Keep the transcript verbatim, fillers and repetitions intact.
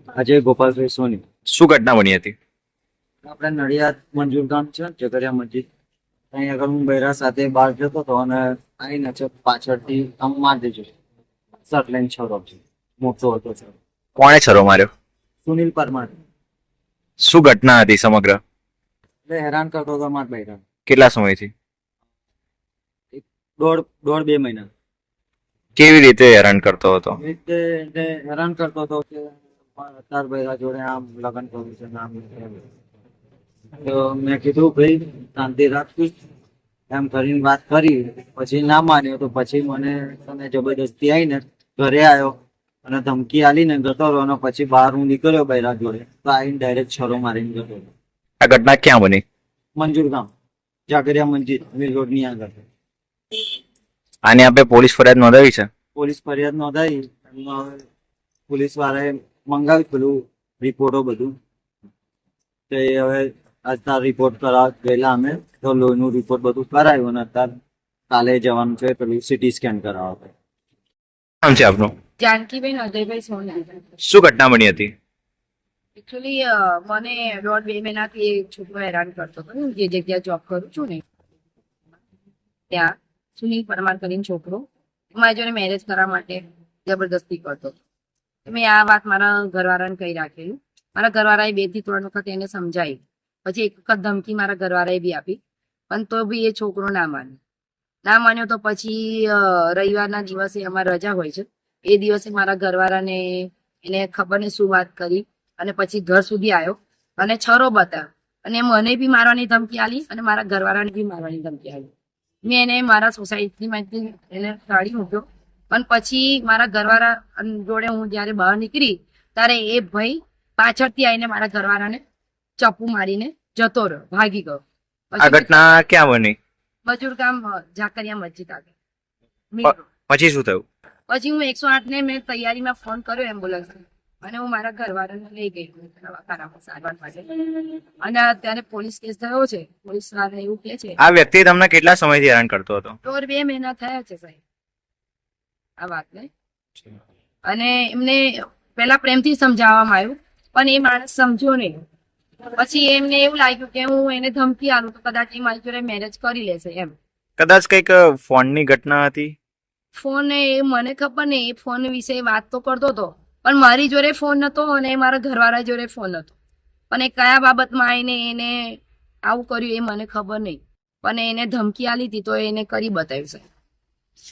અજય ગોપાલભાઈ સોની. શું ઘટના બની હતી? આપણે નડિયાદ મંજૂર ગામ છે ઝઘડિયા મસ્જિદ, અહીં આગળ હું બૈરા સાથે બહાર જતો હતો અને આવીને છે પાછળથી આમ મારી દેજો શર્ટ લઈને છોરો છે, મોટો હતો સર. કોણે છરો માર્યો? સુનિલ પરમાર. શું ઘટના હતી સમગ્ર? એટલે હેરાન કરતો હતો મારા બૈરા. કેટલા સમયથી? દોઢ દોઢ બે મહિના. કેવી રીતે હેરાન કરતો હતો? એ રીતે એને હેરાન કરતો હતો કે તાર બૈરા જોડે આમ લગ્ન કરવું છે ને આમ તેમ. તો મેં કીધું ભાઈ શાંતિ રાખીશ એમ કરીને વાત કરી, પછી ના માન્યો તો પછી મને તને જબરદસ્તી આવીને ઘરે આવ્યો અને ધમકી આલીને જતો રહ્યો અને પછી બહાર હું નીકળ્યો બૈરા જોડે તો આવીને ડાયરેક્ટ છરો મારીને જતો રહ્યો. આ ઘટના ક્યાં બની? મંજૂર ગામ ઝાકરિયા મંજિદ મીર રોડની આગળ. આની આપણે પોલીસ ફરિયાદ નોંધાવી છે? પોલીસ ફરિયાદ નોંધાઈ, એમનો હવે પોલીસ વાળાએ મંગાવ્યું પેલું રિપોર્ટો બધું, તો એ હવે અત્યારે રિપોર્ટ કરાવ ગયેલા અમે તો લોહીનું રિપોર્ટ બધું કરાવ્યું અને અત્યારે કાલે જવાનું છે પેલું સિટી સ્કેન કરાવવા. નામ છે આપનું? જાનકીબેન અજયભાઈ સોની. શું ઘટના બની હતી? એકચ્યુઅલી મને દોઢ બે મહિનાથી એક છોકરો હેરાન કરતો હતો. હું જે જગ્યાએ જોબ કરું છું ને ત્યાં સુનિલ પરમાર કરીને છોકરો મારી જોડે મેરેજ કરવા માટે જબરદસ્તી કરતો હતો. મેં આ વાત મારા ઘરવાળાને કહી રાખેલું. મારા ઘરવાળાએ બે થી ત્રણ વખત એને સમજાવી, પછી એક વખત ધમકી મારા ઘરવાળાએ બી આપી, પણ તો બી એ છોકરો ના માન્યો. ના માન્યો તો પછી રવિવારના દિવસે અમારે રજા હોય છે, એ દિવસે મારા ઘરવાળાને એને ખબર ને શું વાત કરી અને પછી ઘર સુધી આવ્યો અને છરો બતાવ્યો અને મને બી મારવાની ધમકી આલી અને મારા ઘરવાળાને બી મારવાની ધમકી આલી. મેં એને મારા સોસાયટીમાંથી એને કાઢી મૂક્યો, પણ પછી મારા ઘરવાળા જોડે હું જયારે બહાર નીકળી ત્યારે એ ભાઈ પાછળથી આવીને મારા ઘરવાળાને ચપ્પુ મારીને જતો રહ્યો, ભાગી ગયો. આ ઘટના ક્યાં બની? મજૂર ગામ ઝાકરિયા મસ્જિદ આગળ. પ- પછી શું થયું? પછી હું એકસો આઠ ને મેં તૈયારીમાં ફોન કર્યો એમ્બ્યુલન્સ અને હું મારા ઘરવાળાને લઈ ગઈ દવાખાનામાં સારવાર માટે અને અત્યારે પોલીસ કેસ થયો છે. પોલીસ વાળા એવું કે છે આ વ્યક્તિ તમને કેટલા સમયથી હેરાન કરતો હતો? દોઢ બે મહિના થયા છે સાહેબ આ વાતને. અને એમને પેલા પ્રેમથી સમજાવવામાં આવ્યું પણ એ માણસ સમજ્યો નહીં. પછી એમને એવું લાગ્યું કે હું એને ધમકી આલું તો કદાચ એ મારી જોડે મેરેજ કરી લેશે એમ. કદાચ કઈક ફોનની ઘટના હતી? ફોન એ મને ખબર નહીં, એ ફોન વિશે વાત તો કરતો હતો પણ મારી જોડે ફોન નતો અને મારા ઘરવાળા જોડે ફોન હતો, પણ એ કયા બાબતમાં આવીને એને આવું કર્યું એ મને ખબર નહીં, પણ એને ધમકી આલી હતી તો એને કરી બતાવ્યું છે.